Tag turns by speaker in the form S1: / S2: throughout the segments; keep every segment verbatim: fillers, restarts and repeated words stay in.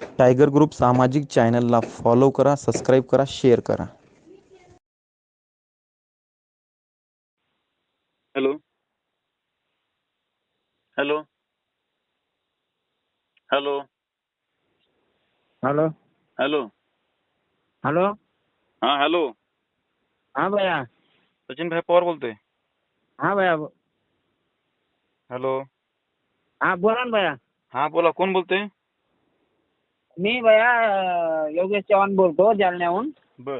S1: Tiger group सामाजिक चॅनलला follow करा, सबस्क्राईब करा, शेअर करा.
S2: Hello hello hello
S3: hello
S2: hello
S3: hello
S2: हां हॅलो
S3: हाँ भैया.
S2: सचिन भाई पवार बोलतोय.
S3: हाँ भैया.
S2: हॅलो
S3: हाँ बोला ना भैया.
S2: हां बोला, कोण बोलतोय?
S3: मी भैया अं, योगेश चव्हाण बोलतो जालन्याहून.
S2: बर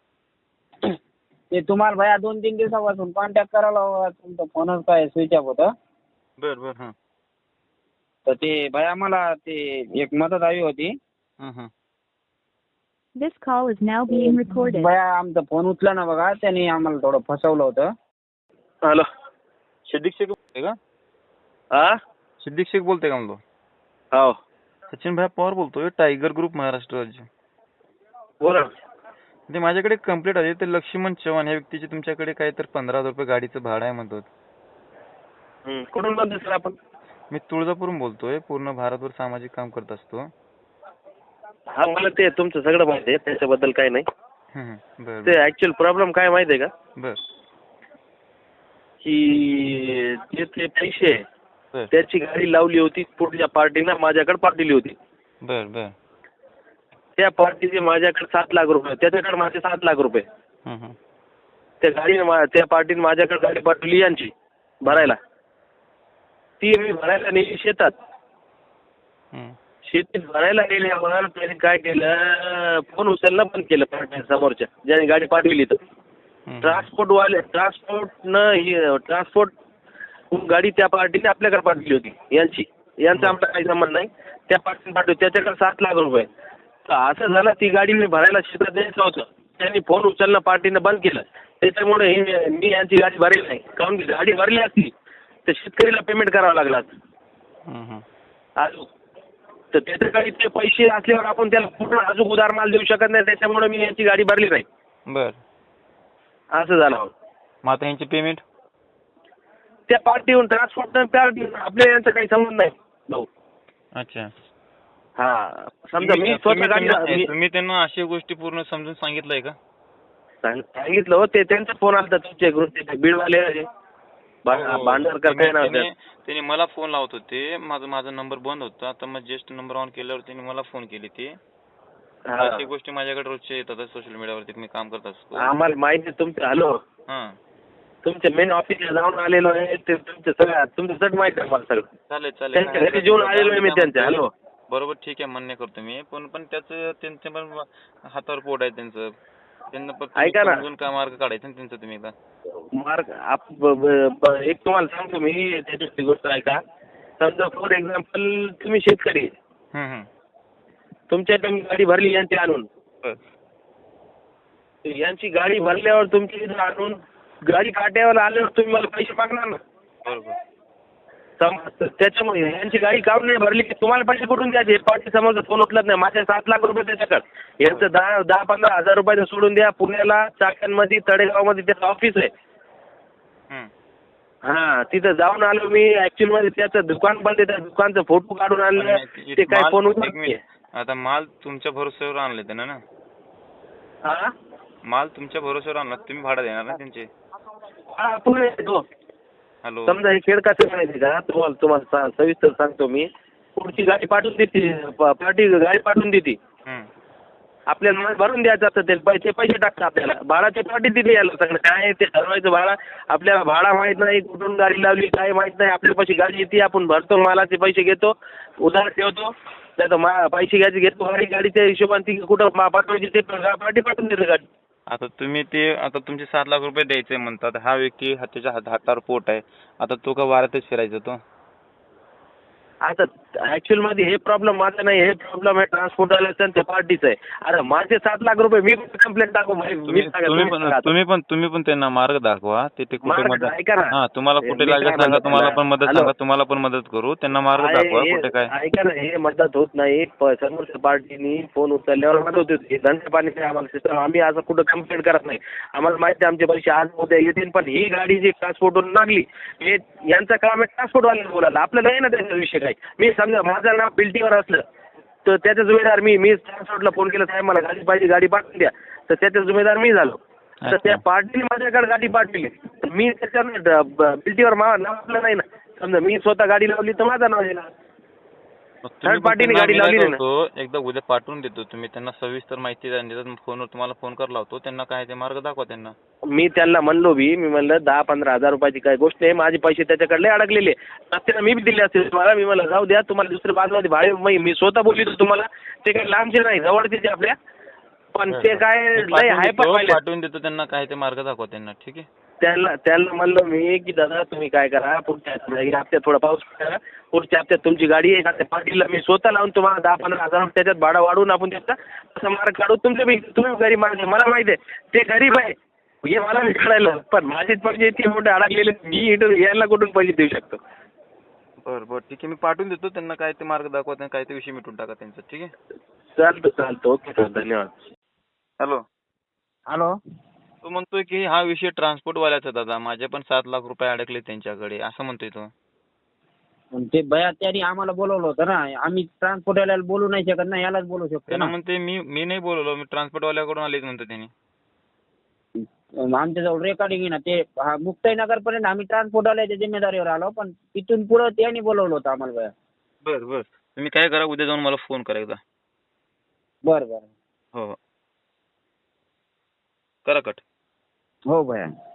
S3: ते तुम्हाला भैया दोन तीन दिवसापासून कॉन्टॅक्ट करायला हवा, तुमचा फोनच काय स्विच ऑफ होतं.
S2: बर बर हां
S3: तर ते भैया मला ते एक मदत हवी होती.
S2: हां हां
S4: This call is now being recorded.
S3: भैया आमचा फोन उचला ना बघा, त्यांनी आम्हाला थोडं फसवलं होतं.
S2: हॅलो सिद्दीक शेख बोलतोय का?
S5: हा
S2: सिद्दीक शेख बोलतोय का म्हणलो?
S5: हो
S2: सचिन भाई पवार बोलतोय, टायगर ग्रुप महाराष्ट्र राज्य.
S5: बोला.
S2: ते माझ्याकडे कंप्लीट आहे. ते लक्ष्मण चव्हाण या व्यक्तीचे तुमच्याकडे काय तर पंधरा हजार रुपये गाडीचं भाडं आहे म्हणतात.
S5: हं. कुठून बोलतोय सर आपण?
S2: मी तुळजापूरून बोलतोय. पूर्ण भारतभर सामाजिक काम करत असतो.
S5: हा मला ते तुमचं सगळं माहिती आहे, त्याच्याबद्दल काही नाही.
S2: हं, हं. बर
S5: ते ऍक्च्युअल प्रॉब्लेम काय माहिती आहे का,
S2: बर
S5: की जे ते पैसे
S2: बर
S5: त्याची गाडी लावली होती पुढच्या पार्टीनं माझ्याकडे पाठवली होती.
S2: बर बर
S5: त्या पार्टीचे माझ्याकडे सात लाख रुपये, त्याच्याकडे माझे सात लाख रुपये.
S2: हं, हं.
S5: त्या गाडीने मा- त्या पार्टीने माझ्याकडे गाडी पाठवली यांची भरायला. ती मी भरायला नेली शेतात.
S2: हं.
S5: शेतीत भरायला गेल्यावर त्याने काय केलं, फोन उचलणं बंद केलं पार्टी समोरच्या ज्याने गाडी पाठवली. तर
S2: हं.
S5: ट्रान्सपोर्ट वाले ट्रान्सपोर्टनं ही ट्रान्सपोर्ट गाडी त्या पार्टीने आपल्याकडे पाठवली होती यांची. यांचा आमचा काही संबंध नाही. त्या पार्टीने पाठवली, त्याच्याकडे सात लाख रुपये. तर असं झालं, ती गाडी मी भरायला शेतात द्यायचं होतं. त्यांनी फोन उचलणं पार्टीनं बंद केलं. त्याच्यामुळे हे मी यांची गाडी भरली नाही. कारण की गाडी भरली असती तर शेतकरीला पेमेंट करावं लागलं असतं.
S2: हं, हं.
S5: अजून तर त्याच्याकडे ते पैसे असल्यावर आपण त्याला पूर्ण अजून उधार माल देऊ शकत नाही. त्याच्यामुळे मी यांची गाडी भरली नाही.
S2: बर
S5: असं झालं.
S2: मग आता यांची पेमेंट?
S5: त्या पार्टीहून ट्रान्सपोर्ट पार्टी आपल्या यांचा काही संबंध नाही भाऊ.
S2: अच्छा.
S5: हा समजा मी
S2: तुम्ही
S5: स्वतः गाडी
S2: त्यांना-
S5: मी
S2: तुम्ही त्यांना अशी गोष्टी पूर्ण समजून सांगितलंय का?
S5: सांग- सांगितलं हो. ते त्यांचा फोन आला तुमच्या ग्रुपचे बीडवाले
S2: हो.
S5: भांडरकर काय
S2: त्यांनी-
S5: नाव
S2: त्यांनी त्यांनी मला फोन लावत होते. माझा माझा नंबर बंद होता. आता मग जस्ट नंबर ऑन केल्यावर त्यांनी मला फोन केली. ती अशी गोष्टी माझ्याकडे रोजच्या येतात सोशल मीडियावरती. मी काम करत असतो.
S5: आम्हाला माहिती आहे तुमचं. हॅलो
S2: हां
S5: तुमच्या मेन ऑफिसला जाऊन आलेलो आहे. ते तुमचं सगळं तुमचं सट माहिती आहे मला सगळं.
S2: चालेल चालेल.
S5: त्यांच्या घरी जेवून आलेलो आहे मी त्यांच्या. हॅलो
S2: बरोबर ठीक आहे, मान्य करतो मी. पण पण त्याचं त्यांच्या पण हातावर पोट आहे त्यांचं. त्यांना पण तुम्ही
S5: ऐका ना.
S2: समजून काय मार्ग काढायचा ना त्यांचा तुम्ही एकदा.
S5: मार्क आप ब- ब- ब- एक तुम्हाला सांगतो मी त्याची गोष्ट ऐका. समजा फॉर एक्झाम्पल तुम्ही शेतकरी आहे.
S2: हं, हं.
S5: तुमच्याकडे मी गाडी भरली यांची आणून.
S2: बर
S5: यांची गाडी भरल्यावर तुमची इथं आणून गाडी काट्यावर आल्यावर तुम्ही मला पैसे मागणार ना.
S2: बरोबर.
S5: सम- त्याच्यामुळे यांची गाडी काढून नाही भरली की तुम्हाला पैसे कुठून द्यायचे. पार्टी समोरचा फोन उचलत नाही. माझे सात लाख रुपये त्याच्याकडे. यांचं दहा दहा पंधरा हजार रुपयाचं सोडून द्या. पुण्याला चाकणमध्ये तळेगावमध्ये त्याचं ऑफिस आहे.
S2: हं.
S5: हा तिथं जाऊन आलो मी. ऍक्च्युअल मध्ये त्याचं दुकान बंद आहे. त्या दुकानचा फोटो काढून आणले.
S2: आणि
S5: ते काय
S2: माल-
S5: फोन
S2: एक
S5: उचलत
S2: मिनिट. आता माल तुमच्या भरोश्यावर आणले त्यानं ना?
S5: हा
S2: माल तुमच्या भरोश्यावर आणला, तुम्ही भाडं देणार ना त्यांचे?
S5: हा पुणे येतो.
S2: हॅलो.
S5: समजा हे खेळ कसं माहिती का तुम्हाला तुम्हाला सा- सविस्तर सांगतो मी. पुढची गाडी पाठवून देते प- पार्टी गाडी पाठवून देते.
S2: हं.
S5: आपल्याला माल भरून द्यायचं असतं. ते पैसे पैसे टाकतात आपल्याला. भाडाची पार्टी दिली यायला सगळं काय आहे ते ठरवायचं. भाडा आपल्याला भाडा माहित नाही, कुठून गाडी लावली काय माहित नाही. आपल्या पैसे गाडी येते, आपण भरतो, मालाचे पैसे घेतो, उधार ठेवतो. नाही तर मा पैसे घ्यायचे घेतो गाडी. गाडीच्या हिशोबाने ती कुठं मा- पाठवायची ते पार्टी पाठवून देते गाडी.
S2: आता तुम्ही ते आता तुमचे सात लाख रुपये द्यायचे म्हणतात. हा व्यक्ती हा- त्याच्या हात- हातावर पोट आहे. आता तो का वाऱ्यातच फिरायचा तो?
S5: आता ऍक्च्युअल मध्ये हे प्रॉब्लेम माझा नाही. हे प्रॉब्लेम आहे ट्रान्सपोर्ट वाल्याचा आणि त्या पार्टीचा आहे. अरे माझे सात लाख रुपये मी कंप्लेंट टाकू. मी
S2: तुम्ही
S5: सांगा,
S2: तुम्ही
S5: तुम्ही
S2: पण
S5: सांगा.
S2: तुम्ही पण तुम्ही पण त्यांना मार्ग दाखवा. ते ते कुठे
S5: मार्ग
S2: मदत
S5: ऐका ना.
S2: हा तुम्हाला कुठे
S5: मी
S2: लागेल
S5: काय
S2: सांगा.
S5: म्हणतो
S2: तुम्हाला पण
S5: त्यांना.
S2: मदत
S5: हॅलो.
S2: सांगा. तुम्हाला पण मदत करू. त्यांना मार्ग
S5: आहे,
S2: दाखवा
S5: हे-
S2: कुठे काय.
S5: ऐका ना, हे मदत होत नाही. प- समोरच्या पार्टीनी फोन उचलल्यावर मदत होती. हे धंदा पाणी काय आम्हाला सिस्टम. आम्ही असं कुठं कंप्लेंट करत नाही. आम्हाला माहिती आहे आमचे पैसे आज उद्या येतील. पण ही गाडी जी ट्रान्सपोर्टवरून लागली हे यांचं काम आहे ट्रान्सपोर्टवाल्याला बोलायला. आपल्याला नाही ना त्याचा विषय काय. मी समजा माझं नाव बिल्टीवर असलं तर तर त्याचा जुमेदार मी मी ट्रान्सपोर्टला फोन केला, साहेब मला गाडी पाहिजे, गाडी पाठवून द्या. तर त्याचा जुमेदार मी झालो. तर त्या पार्टीने माझ्याकडे गाडी पाठवली. मी त्याच्या बिल्टीवर नाव नाही ना. समजा मी स्वतः गाडी लावली तर माझा नाव येणार. थर्ड पार्टीने गाडी लावली नाही ना.
S2: एकदा उद्या पाठवून देतो, तुम्ही त्यांना सविस्तर माहिती देतात. फोनवर तुम्हाला फोन कर लावतो, त्यांना काय ते मार्ग दाखवा त्यांना.
S5: मी त्यांना म्हणलो बी, मी म्हणलं दहा पंधरा हजार रुपयाची काय गोष्ट आहे, माझे पैसे त्याच्याकडले अडकलेले त्याला मी बी दिले असते तुम्हाला. मी म्हणलं जाऊ द्या, तुम्हाला दुसऱ्या बाजूमध्ये भाडे मी मी स्वतः बोलली तुम्हाला. ते काही लांबचे नाही, जवळचे आपल्या. पण ते काय लय हाय
S2: पाठवून देतो त्यांना, काय ते मार्ग दाखवा त्यांना. ठीक आहे.
S5: त्यांना त्यांना म्हणलं मी की दादा तुम्ही काय करा, पुढच्या हप्त्यात थोडा पाऊस करा, पुढच्या हप्त्यात तुमची गाडी आहे का पार्टीला मी स्वतः लावून तुम्हाला दहा पंधरा हजार त्याच्यात भाडा वाढवून आपण त्याचा असं मार्ग काढू. तुमचे बी तुम्ही गरीब माणसं, मला माहिती आहे ते गरीब आहे हे मला मी कळायला. पण माझेच पैसे इतके मोठे अडकलेले, मी इथं यायला कुठून पैसे देऊ शकतो.
S2: बरं बरं ठीक आहे, मी पाठवून देतो त्यांना, काय ते मार्ग दाखवा त्यांना, काय ते विषय मिटून टाका त्यांचा. ठीक आहे.
S5: चालतं चालतं ओके सर, धन्यवाद.
S2: हॅलो.
S3: हॅलो.
S2: तो म्हणतोय की हा विषय ट्रान्सपोर्टवाल्याचा दादा, माझे पण सात लाख रुपये अडकले त्यांच्याकडे, असं म्हणतोय तो.
S3: पण ते बया त्यांनी आम्हाला बोलवलं होतं ना, आम्ही ट्रान्सपोर्टवाल्याला बोलू नाही शकत ना, यालाच बोलू शकतो
S2: त्यांना
S3: ना.
S2: म्हणते मी मी नाही बोलवलो, मी ट्रान्सपोर्टवाल्याकडून आलेच म्हणतो त्यांनी.
S3: आमच्याजवळ रेकॉर्डिंग आहे ना, ते हा मुक्ताईनगर पर्यंत आम्ही ट्रान्सपोर्टवाल्याच्या जिम्मेदारीवर आलो, पण तिथून पुढं त्यांनी बोलवलं होतं आम्हाला बया.
S2: बरं बरं, तुम्ही काय करा, उद्या जाऊन मला फोन करा एकदा.
S3: बरं बरं.
S2: हो हो, करा कट.
S3: हो भया.